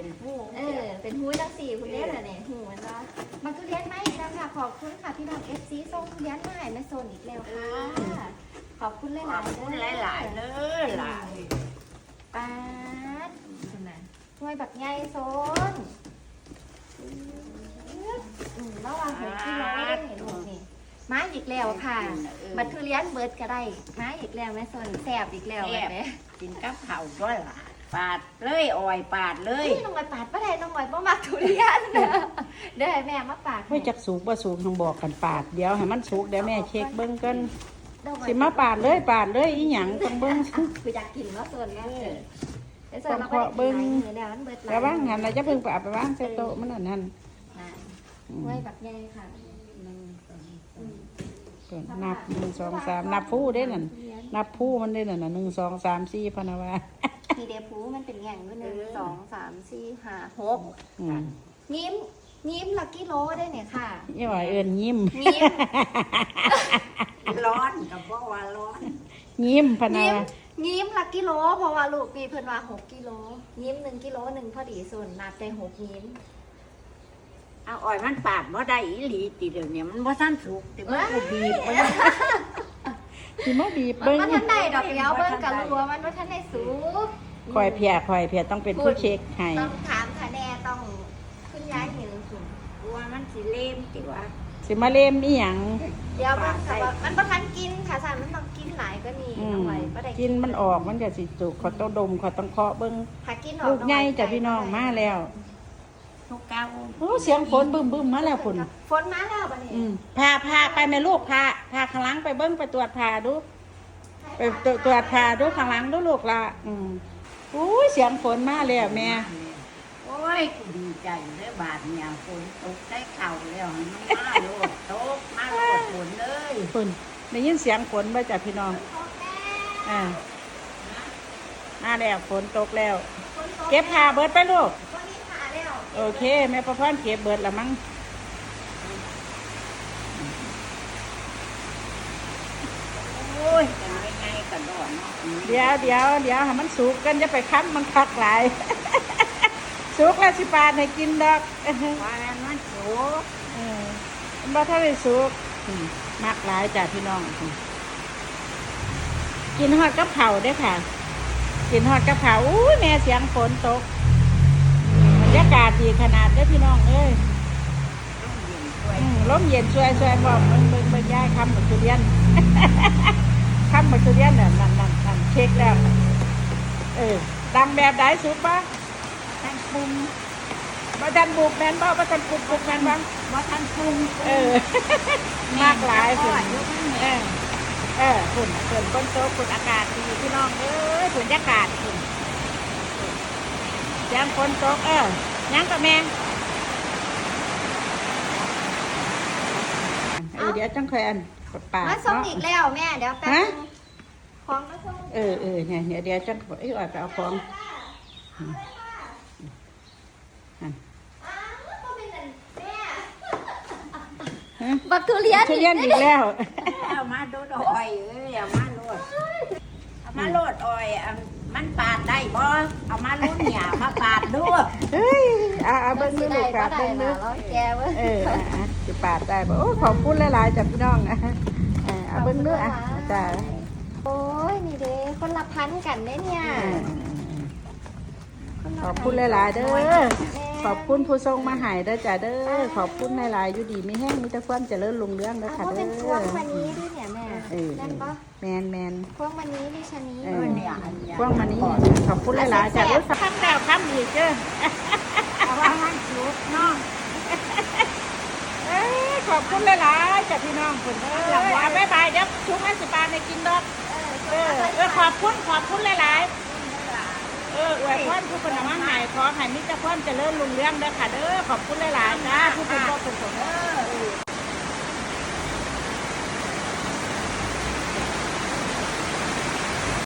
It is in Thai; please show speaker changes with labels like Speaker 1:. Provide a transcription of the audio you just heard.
Speaker 1: เป็นผู้
Speaker 2: เป็นหูจังสี่คุณเล่นอะไรเนี่ยหูมันว่ามันทุเรียนไหมแล้วค่ะขอบคุณค่ะพี่น้องFCส่งทุเรียนมาให้แม่โซนอีกแล้วค่ะขอบคุณหลายๆ
Speaker 1: คุณหลายๆเลยหลาย
Speaker 2: ป้าดช่วยแบบใหญ่โซนระวังหอยที่ร้อนเห็นลูกนี่มาอีกแล้วค่ะบัตรทุเรียนเบิร์ดก็ได้มาอีกแล้วแม่โซนแสบอีกแล้วแบบนี้
Speaker 1: กินกับข้าวด้วยล่ะปาดเลยอ่อยปาดเลย
Speaker 2: น้องหอยปาดป้าแดงน้องหอยป้ามักทุเรียนเดี๋ยวให้แม่มาปาด
Speaker 3: ไม่จักสูกบ่สูกต้องบอกกันปาดเดี๋ยวให้มันสุกเดี๋ยวแม่เช็คเบิ้งกันสิมาปาดเลยอีหยังต้องเบิ้ง
Speaker 2: คืออยากกินว่าโซนแม่
Speaker 3: ต้องเคาะเบิ้งแต่ว่างหันเราจะเพิ่งไปเอาไปวางใส่โต๊ะมันนั่น
Speaker 2: ไว้แบบใหญ่ค่ะ
Speaker 3: นับ1 2 3นับผู้ได้นั่นนับผู้มันได้นั่นน่ะ1 2 3 4พะนะว่า
Speaker 2: มีเดฟูมันเป็นแง่งด้วย1 2 3 4 5 6ยิ้มลักกี้โลได้เนี่ยค่ะ
Speaker 3: ยี่ว่ายิ้ม
Speaker 1: ร้อนกับเพราะว่าร้อน
Speaker 3: ยิ้มพะนะว่า
Speaker 2: ยิ้มลักกี้โลเพราะว่าลูกมีเพิ่นว่า6กิโลยิ้ม1กิโล1พอดีส่วนนับได้6ยิ้ม
Speaker 1: เอาอ่อยมันปาดบ่ได้อีหลีติเดี๋ยวนี้มันบ่ทันสุกติมันก็บีบมัน
Speaker 3: สิมาบีบเบิ้ง
Speaker 2: มันทันได้ดอกเดียวเบิ้งกับรัวมันว่าทันได้สูง
Speaker 3: คอยเพียต้องเป็นผู้เช็คให้
Speaker 2: ต้องถามคะแนนต้องขึ้นย้ายหนึ่งสูง
Speaker 1: ว่ามันสิเล่มติว่า
Speaker 3: สิมาเล่มอีหยัง
Speaker 2: เดี๋ยวมันบ่ทันกินค่ะสารมันต้องกินหลายก็นี่เอาไว้บ่ได้
Speaker 3: กินมันออกมันจะสิจุกเขาต้องดมเขาต้องเคาะเบิ้ง
Speaker 2: ถ้ากินออก
Speaker 3: ลูกใหญ่จ้ะพี่น้องมาแล้ว
Speaker 1: ทุกเก้า
Speaker 3: โอ้เสียงฝนบึ้มมาแล้วฝน
Speaker 2: มาแล้วบัดนี้
Speaker 3: พาไปแม่ลูกพาข้างหลังไปเบิ้งไปตรวจพาดูไปตรวจพาดูข้างหลังดูลูกละอุ้ยเสียงฝนมาแล้วแม่
Speaker 1: โอ้ยดีใจเลยบาดเนี่ยฝนตกได้เข่าแล้วมันมาโลดตกมาโลดฝนเลย
Speaker 3: ฝนได้ยินเสียงฝนบ่จ้ะพี่น้องมาแล้วฝนตกแล้วเก็บผ้าเบิดไปลูกโอเคแม่ประพรเก็บเบิดละมั้ง
Speaker 1: โอ้ยกันไม่ไงกันดอน
Speaker 3: เดี๋ยวให้มันสุกกันจะไปคั้นมันคักหลายสุกแล้วสิปาดให้กินดอก
Speaker 1: ว่ามันสุก
Speaker 3: มันบ่ทันได้สุกมักหลายจ้ะพี่น้องกินฮอดกับเผาได้ค่ะกินฮอดกับเผาอุ้ยแม่เสียงฝนตกบรรยากาศดีขนาดเด้อพี่น้องเอ้ยลมเย็นช่วยบอกเบิ่งย้ายคำบักทุเรียนคำบักทุเรียนนั่นเช็คแล้วดังแบบไหนสุกปะ
Speaker 1: ทันปรุง
Speaker 3: บ่ทันบุกแม่นบ่ทันปุกแม่นบ้าง
Speaker 1: บ่ทันปรุง
Speaker 3: มากหลายฝุ่นฝุ่นฝนตกฝุ่นอากาศดีพี่น้องเอ้ยฝุ่นอากาศฝุ่นยังฝนตกยังกับแม่เดี๋ยวจังเคยอันปาด
Speaker 2: มาส่งอีกแล้วแม่เดี๋ยวแป๊บนึงของมาส่ง
Speaker 3: เนี่ยเดี๋ยวจังอ่อยไปเอาของ
Speaker 2: บักทุเรียน
Speaker 3: อีกแล้ว
Speaker 1: เอามาโดดอ้อยเอามาโลดอ้อยมันปาดได้บ่เอามาลุ้นหยามาปาดด้วย
Speaker 3: เอาเบิ้งดูลูกปาดเบิ้งดู
Speaker 2: แกเว้ย
Speaker 3: จะปาดได้บ่โอ้ขอบคุณหลายๆจ้ะพี่น้องเอาเบิ้งดูจ้ะ
Speaker 2: โอ้ยนี่เด้คนละพันกันเนี่ย
Speaker 3: ขอบคุณหลายๆเด้อขอบคุณผู้ทรงมาหายเด้อจ้ะเด้อขอบคุณหลายๆอยู่ดีมีแห้งมีแต่ความเจริญรุ่งเรืองเด้อค่ะเด้อ
Speaker 2: เป็นพวงมันนี้ด้วยเนี่ยแม่นั่นปะ
Speaker 3: แมน
Speaker 2: พวงมันนี้ดิฉันนี้
Speaker 3: พวงมันนี้ขอบคุณหลายๆจ้ะรู้ทำแล้วทำอีกเด้อ
Speaker 1: เอาว่ามันสุกเนาะ
Speaker 3: ขอบคุณหลายๆจ้ะพี่น้องคุณบ๊ายบายเดี๋ยวชุกให้สิบาทในกินดอกขอบคุณหลายๆอวยพรผู้คนมาหายขอให้มิตรพรเจริญรุ่งเรืองเด้อค่ะเด้อขอบคุณหลายๆจ้าผู้เป็นพ่อเป็นสม